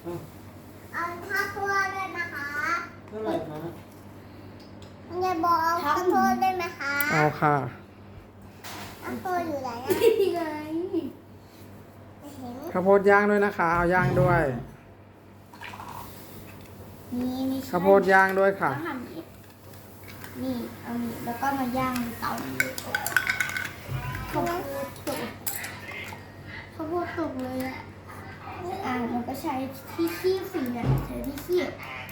เอาข้าวโพดได้ไหมคะเท่าไหร่คะยายบอกเอาข้าวโพดได้ไหมคะเอาค่ะข้าวโพดอยู่ไหนอะนี่ไงไม่เห็นข้าวโพดย่างด้วยนะคะ เอาย่างด้วยนี่ข้าวโพดย่างด้วยค่ะต้องทำนี้นี่เอานี่แล้วก็มาย่างในเตานี้ข้าวโพดตกข้าวโพดตกเลยอ่ะมันก็ใช้ที่คีบสิเนี่ยใช้ที่คีบ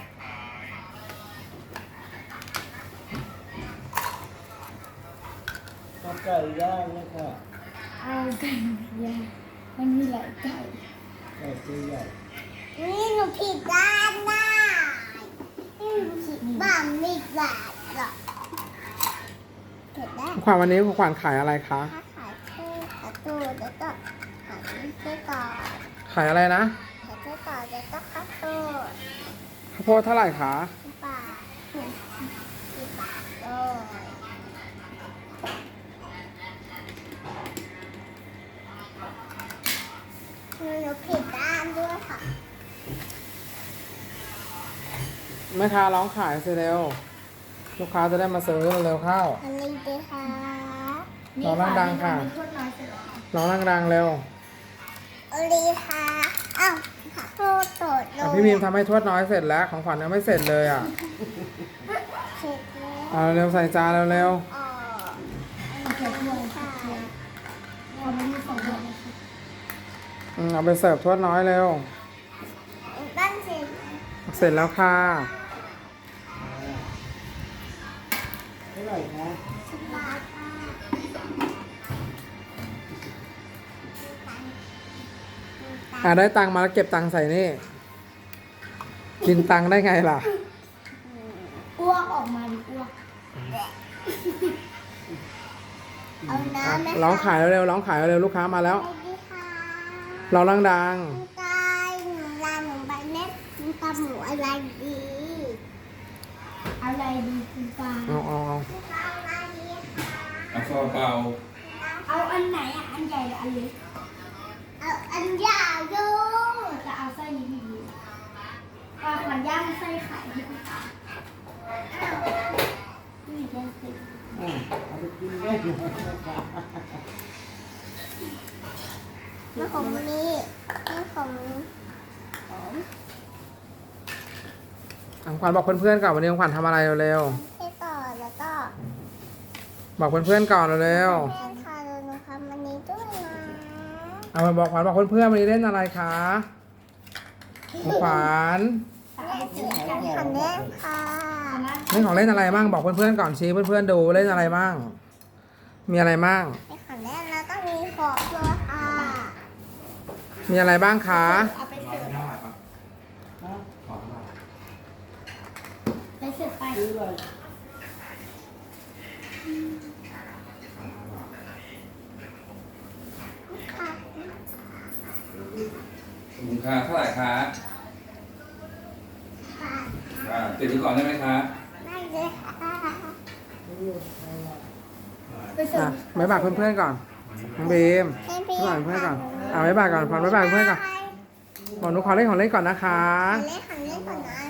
เอาไก่ย่างนะคะเอาไก่ย่างมันมีหลายไก่ไก่ตัวใหญ่นี่หนูผิดด้านได้นี่หนูผิดบ้านไม่ได้หรอกผิดได้ขวัญวันนี้ขวัญขายอะไรคะถ้าขายเท่ขายตู้แล้วก็ขายไส้กรอกขายอะไรนะขายไส้กรอกแล้วก็ข้าวโพดข้าวโพดเท่าไหร่คะ 10 บาท10 บาทเลยหนูผิดด้านด้วยค่ะแม่ค้าร้องขายสิเร็ว ลูกค้าจะได้มาซื้อเร็วๆเข้าอันนี้ดีค่ะร้องดังๆค่ะมีทวดน้อยเสร็จแล้วร้องดังๆเร็วอันนี้ค่ะอ้าวข้าวโพดสดเลอ่ะยพี่บีมทำให้ทวดน้อยเสร็จแล้ว ของขวัญยังไม่เสร็จเลยอ่ะเสร็จแล้วเอาเร็วใส่จานเร็วอ๋อเอาใส่ถ้วยค่ะเอาไม่มีสองถ้วยนะคะๆเอาไปเสิร์ฟทวดน้อยเร็วตั้งเสร็จเสร็จแล้วค่ะเท่าไหร่คะ 10 บาทค่ะได้ตังค์มาแล้วเก็บตังค์ใส่นี่ กินตังค์ได้ไงล่ะอ้วกออกมาดิอ้วกเอาน้ำไหมคะร้องขายเร็วๆร้องขายเร็วๆลูกค้ามาแล้วสวัสดีค่ะร้องดังคุณกายหนูลาหนูไปเน็ตคุณตำหมูอะไรดีอะไรดีคุณปาๆเอาคุณตำอะไรดีคะเอาซาลาเปาเอาอันไหนอ่ะอันใหญ่หรืออันเล็กเอาอันยาวดูจะเอาไส้นี้ดีปลาขวัญย่างไส้ไข่ให้คุณตานี่ย่างไส้เอาไปกินได้ไหมนะคะมาของนี้นี่ของผมของขวัญบอกเพื่อนๆก่อนวันนี้ของขวัญทำอะไรเร็วให้ต่อแล้วก็ๆบอกเพื่อนๆก่อนเร็วแม่ค่ะหนูทำอันนี้ด้วยนะๆเอามาบอกขวัญบอกเพื่อนๆวันนี้เล่นอะไรคะของขวัญขันแน่ค่ะเล่นของเล่นอะไรบ้างบอกเพื่อนๆก่อนชี้เพื่อนๆดูเล่นอะไรบ้าง มีอะไรบ้างในขันแน่แล้วก็มีขอบด้วยค่ะมีอะไรบ้างคะเอาไปเสิร์ฟฮะไปเสิร์ฟไปซื้ออะไรค่ะคุณค่าเท่าไหร่คะค่ะติดไว้ก่อนได้ไหมคะได้เลยค่ะไปเสิร์อ่ะฟบ๊ายบายเพื่อนๆก่อนน้องบีมให้พี่บ๊ายบายเพื่อนก่อนบ๊ายบายก่อนขวัญบ๊ายบายเพื่อนก่อนบอกหนูขอเล่นของเล่นก่อนนะคะเล่นขันเล่นก่อนนะ